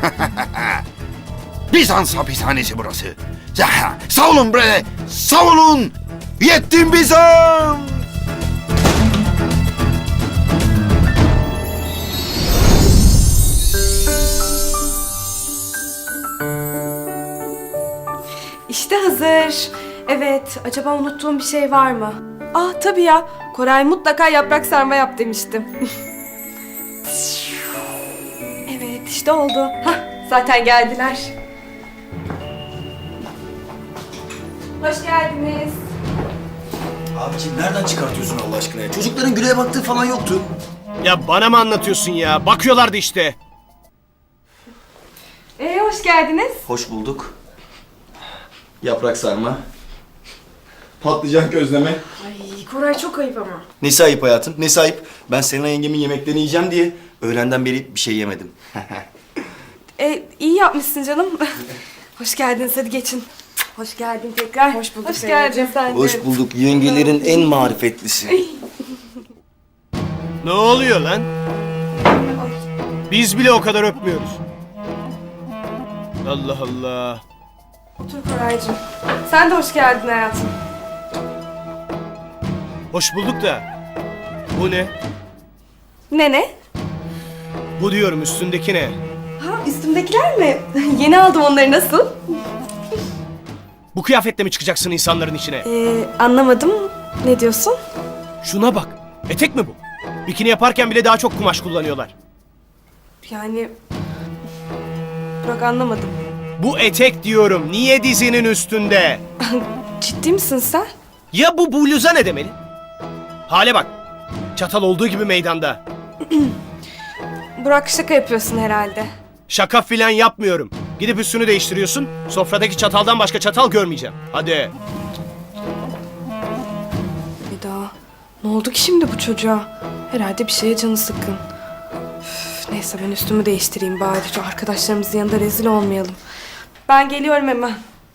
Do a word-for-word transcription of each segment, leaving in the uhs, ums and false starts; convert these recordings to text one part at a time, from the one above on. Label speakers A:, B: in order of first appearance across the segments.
A: Bizans hapishanesi burası. Zahra, savunun bre, savunun! Yettim Bizans!
B: İşte hazır. Evet, acaba unuttuğum bir şey var mı? Ah tabii ya, Koray mutlaka yaprak sarma yap demiştim. Evet, işte oldu. Hah, zaten geldiler. Hoş geldiniz.
C: Abiciğim nereden çıkartıyorsun Allah aşkına ya? Çocukların Gülay'a baktığı falan yoktu.
D: Ya bana mı anlatıyorsun ya? Bakıyorlardı işte.
B: Ee, hoş geldiniz.
C: Hoş bulduk. Yaprak sarma. Patlıcan közleme.
B: Ay, Koray çok ayıp ama.
C: Nesi ayıp hayatım? Nesi ayıp? Ben Selena yengemin yemeklerini yiyeceğim diye öğlenden beri bir şey yemedim.
B: Ee, iyi yapmışsın canım. Hoş geldiniz, hadi geçin. Hoş geldin tekrar. Hoş bulduk. Hoş geldin sen de.
C: Hoş bulduk. Yengelerin en marifetlisi.
D: Ne oluyor lan? Biz bile o kadar öpmüyoruz. Allah Allah.
B: Otur Koraycığım. Sen de hoş geldin hayatım.
D: Hoş bulduk da. Bu ne?
B: Ne ne?
D: Bu diyorum, üstündeki ne?
B: Ha, üstümdekiler mi? Yeni aldım onları, nasıl?
D: Bu kıyafetle mi çıkacaksın insanların içine?
B: Ee, anlamadım. Ne diyorsun?
D: Şuna bak. Etek mi bu? Bikini yaparken bile daha çok kumaş kullanıyorlar.
B: Yani... Burak, anlamadım.
D: Bu etek diyorum. Niye dizinin üstünde?
B: Ciddi misin sen?
D: Ya bu bluza ne demeli? Hale bak. Çatal olduğu gibi meydanda.
B: Burak, şaka yapıyorsun herhalde.
D: Şaka filan yapmıyorum. Gidip üstünü değiştiriyorsun. Sofradaki çataldan başka çatal görmeyeceğim. Hadi.
B: Eda, ne oldu ki şimdi bu çocuğa? Herhalde bir şeye canı sıkkın. Üf, neyse ben üstümü değiştireyim bari. Şu arkadaşlarımızın yanında rezil olmayalım. Ben geliyorum hemen.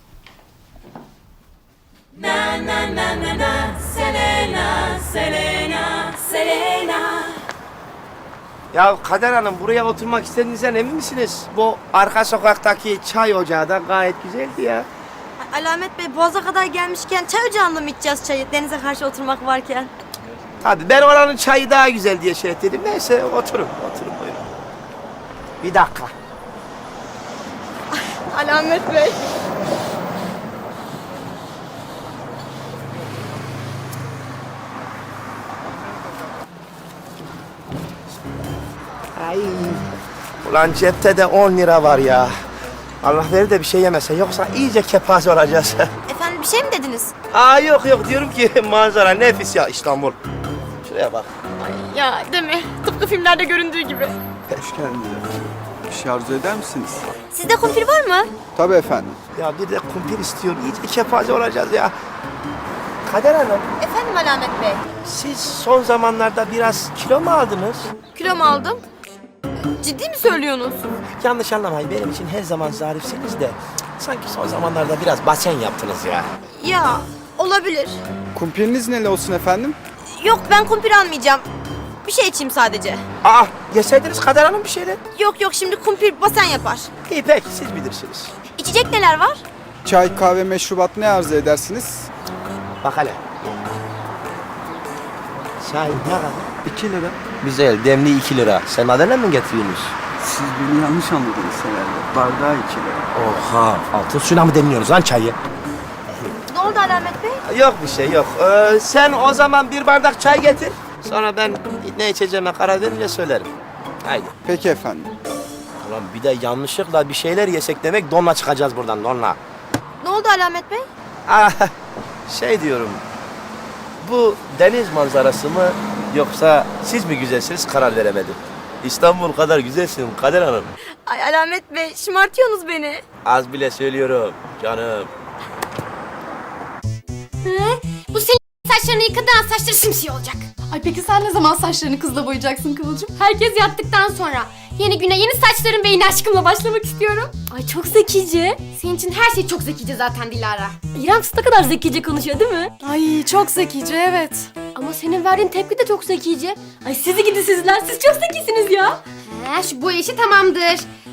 E: Ya Kader Hanım, buraya oturmak istediğinizden emin misiniz? Bu arka sokaktaki çay ocağı da gayet güzeldi ya.
F: Alamet Bey, Boğaz'a kadar gelmişken çay ocağında mı içeceğiz çayı? Denize karşı oturmak varken.
E: Tabii ben oranın çayı daha güzel diye şey ettim. Neyse oturun, oturun buyurun. Bir dakika.
F: Alamet Bey.
E: Ay. Ulan cepte de on lira var ya. Allah verir de bir şey yemese, yoksa iyice kepaze olacağız.
F: Efendim, bir şey mi dediniz?
E: Aa yok yok, diyorum ki manzara nefis ya İstanbul. Şuraya bak.
F: Ya değil mi? Tıpkı filmlerde göründüğü gibi.
G: Hoş geldiniz. Bir şey arzu eder misiniz?
F: Sizde kumpir var mı?
G: Tabii efendim.
E: Ya bir de kumpir istiyorum. İyice kepaze olacağız ya. Kader Hanım,
F: Efendim Alamet Bey.
E: siz son zamanlarda biraz kilo mu aldınız?
F: Kilo mu aldım? Ciddi mi söylüyorsunuz?
E: Yanlış anlamayın, benim için her zaman zarifsiniz de cık, sanki son zamanlarda biraz basen yaptınız ya.
F: Ya olabilir.
G: Kumpiriniz neli olsun efendim?
F: Yok, ben kumpir almayacağım. Bir şey içeyim sadece.
E: Aa, yeseydiniz Kader Hanım bir şeyler.
F: Yok yok, şimdi kumpir basen yapar.
E: İyi peki, siz bilirsiniz.
F: İçecek neler var?
G: Çay, kahve, meşrubat ne arzu edersiniz?
E: Bak hele. Çay ne kadar?
G: İki lira.
E: Güzel, demli iki lira. Sen Adana'dan mı getiriyorsunuz?
G: Siz beni yanlış anladınız herhalde. Bardağı iki lira.
E: Oha, altın suyla mı demliyorsunuz lan çayı?
F: Ne oldu Alamet Bey?
E: Yok bir şey yok. Ee, sen o zaman bir bardak çay getir. Sonra ben ne içeceğime karar verince söylerim. Haydi.
G: Peki efendim.
E: Ulan bir de yanlışlıkla bir şeyler yesek demek, donla çıkacağız buradan, donla.
F: Ne oldu Alamet Bey?
E: Ah, şey diyorum. Bu deniz manzarası mı yoksa siz mi güzelsiniz, karar veremedim. İstanbul kadar güzelsin Kader Hanım.
F: Ay Alamet Bey, şımartıyorsunuz beni.
E: Az bile söylüyorum canım.
H: Bu senin saçlarını yıkadan saçları simsiyah olacak. Ay peki sen ne zaman saçlarını kızla boyayacaksın Kıvılcım? Herkes yattıktan sonra. Yeni güne yeni saçların ve yeni aşkımla başlamak istiyorum. Ay çok zekice. Senin için her şey çok zekice zaten Dilara. İrem ne kadar zekice konuşuyor değil mi?
B: Ay çok zekice, evet.
H: Ama senin verdiğin tepki de çok zekice. Ay sizi gidi sizler, siz çok zekisiniz ya. He, şu boya işi tamamdır.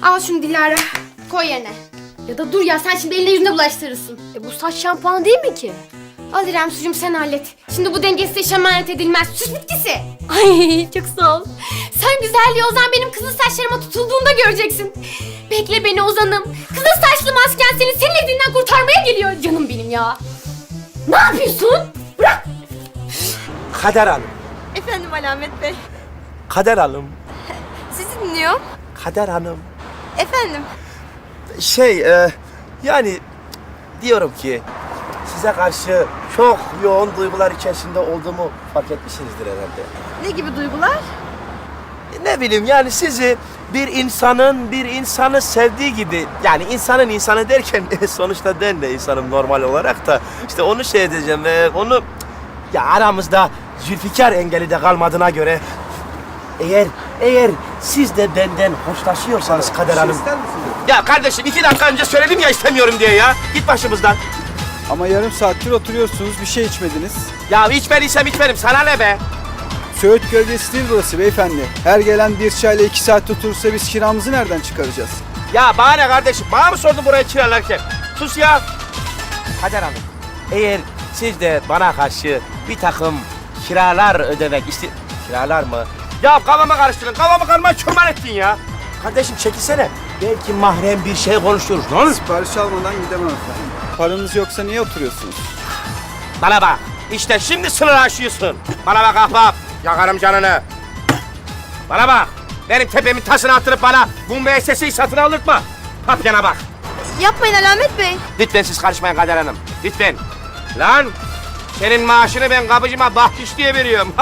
H: Al şunu Dilara. Koy yerine. Ya da dur ya sen şimdi eline yüzüne bulaştırırsın.
F: E bu saç şampuanı değil mi ki?
H: Al İrem sucuğum sen hallet. Şimdi bu dengesiz iş emanet edilmez. Süs bitkisi.
F: Ay çok sağ ol.
H: Sen güzelliği Ozan benim kızıl saçlarıma tutulduğunda göreceksin. Bekle beni Ozan'ım. Kızıl saçlı masken seni senin elinden kurtarmaya geliyor canım benim ya. Ne yapıyorsun? Bırak.
E: Kader Hanım.
F: Efendim Alamet Bey.
E: Kader Hanım.
F: Sizi dinliyorum.
E: Kader Hanım.
F: Efendim.
E: Şey e, yani diyorum ki size karşı çok yoğun duygular içerisinde olduğumu fark etmişsinizdir herhalde.
F: Ne gibi duygular?
E: Ne bileyim yani sizi bir insanın bir insanı sevdiği gibi yani insanın insanı derken sonuçta ben de insanım normal olarak da işte onu şey edeceğim ve onu ya aramızda Zülfikar engeli de kalmadığına göre eğer eğer siz de benden hoşlaşıyorsanız Kader Hanım. Ya kardeşim iki dakika önce söyledim ya istemiyorum diye ya. Git başımızdan.
G: Ama yarım saattir oturuyorsunuz, bir şey içmediniz.
E: Ya içmediysem içmedim sana ne be?
G: Söğüt gölgesi değil burası beyefendi. Her gelen bir çayla iki saat oturursa biz kiramızı nereden çıkaracağız?
E: Ya bana ne kardeşim? Bana mı sordun burayı kiralarken? Sus ya. Kader Hanım, eğer siz de bana karşı bir takım kiralar ödemek iste... Kiralar mı? Ya kafamı karıştırdın, kafamı karma çömen ettin ya. Kardeşim çekilsene. Belki mahrem bir şey konuşuruz. Ne olur?
G: Sipariş almadan gidemem efendim. Paranız yoksa niye oturuyorsunuz?
E: Bana bak. İşte şimdi sınır aşıyorsun. Bana bak ahbap. Yakarım canını. Bana bak. Benim tepemin tasını attırıp bana bu müesseseyi satın aldırtma. Papyana bak.
F: Yapmayın Alamet Bey.
E: Lütfen siz karışmayın Kader Hanım. Lütfen. Lan senin maaşını ben kapıcıma bahşiş diye veriyorum.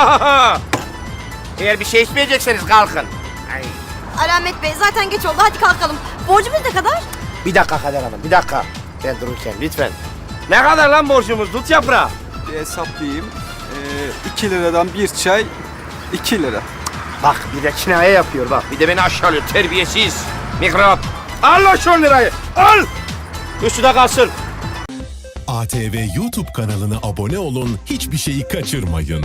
E: Eğer bir şey içmeyecekseniz kalkın. Ay.
F: Alamet Bey zaten geç oldu hadi kalkalım. Borcumuz ne kadar?
E: Bir dakika Kader Hanım, bir dakika. Ben dururken lütfen. Ne kadar lan borcumuz? Dut yaprağı.
G: Bir hesaplayayım. Ee, iki liradan bir çay, iki lira.
E: Bak bir de kinaye yapıyor bak. Bir de beni aşağılıyor terbiyesiz. Mikrop. Al lan şu on lirayı. Al. Üstüne kalsın.
I: A T V YouTube kanalına abone olun, hiçbir şeyi kaçırmayın.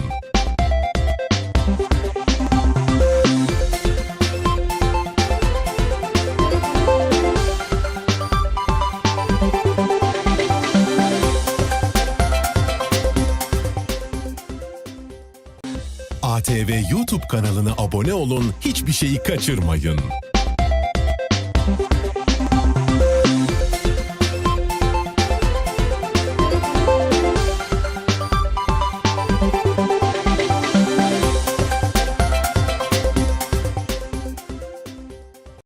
I: A T V YouTube kanalına abone olun, hiçbir şeyi kaçırmayın.